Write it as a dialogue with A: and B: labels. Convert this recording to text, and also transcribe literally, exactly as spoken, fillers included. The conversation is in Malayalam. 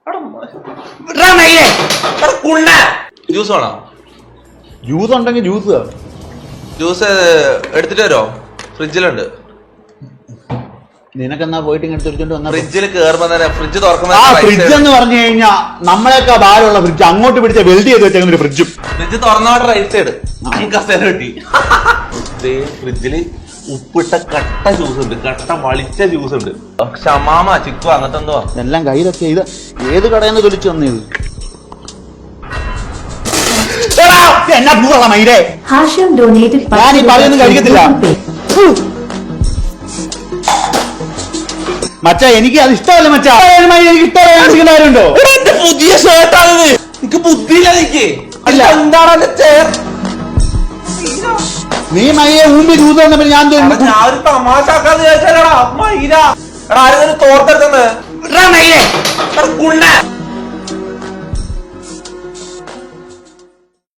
A: ജ്യൂസ് വേണോ?
B: ജ്യൂസ് ഉണ്ടെങ്കിൽ ജ്യൂസ്
A: ജ്യൂസ് എടുത്തിട്ട് വരോ? ഫ്രിഡ്ജിലുണ്ട്.
B: നിനക്കെന്നാ പോയിട്ട് ഇങ്ങനെ എടുത്തോണ്ട് വന്നാ
A: ഫ്രിഡ്ജിൽ കേറുമ്പോ തന്നെ ഫ്രിഡ്ജ് തുറക്കുന്ന
B: ഫ്രിഡ്ജ് എന്ന് പറഞ്ഞു കഴിഞ്ഞാൽ നമ്മളെയൊക്കെ ഭാരമുള്ള ഫ്രിഡ്ജ്, അങ്ങോട്ട് പിടിച്ച വെൽഡ് ചെയ്ത് വെച്ചേക്കുന്ന ഒരു ഫ്രിഡ്ജും.
A: ഫ്രിഡ്ജ് തുറന്നോടെ റൈറ്റ് സൈഡ് കസേര കിട്ടി. ഫ്രിഡ്ജില് ഉപ്പിട്ട കട്ട ജ്യൂസ് ഉണ്ട്, കട്ട വളിച്ച ജ്യൂസ് ഉണ്ട്, ഷമാമ ചിക്കു അങ്ങനത്തെ എന്തോ
B: എല്ലാം കയ്യിലൊക്കെ. ഇത് ഏത് കടയിൽ നിന്ന് തൊലിച്ചു വന്നത്? എന്നാ പൂവള മൈരേ, ഞാൻ ഈ പറയുന്നത് കഴിക്കത്തില്ല മച്ചാ. എനിക്ക് അത് ഇഷ്ടമല്ല മച്ചാ, എനിക്ക് ഇഷ്ടമല്ല. കാര്യമുണ്ടോ?
A: പുതിയ ഷർട്ടാണിത്. എനിക്ക് ബുദ്ധിയില്ല. എനിക്ക് എന്താണ്
B: നീ മയ്യെ ഊമ്പി ജ്യൂസ് വന്നപ്പോ ഞാൻ
A: ഞാൻ ഒരു തമാശ ആക്കാന്ന് വിചാരിച്ചാലടാ മൈര. എടാ ആരും തോർത്തെടുക്കുന്നത്.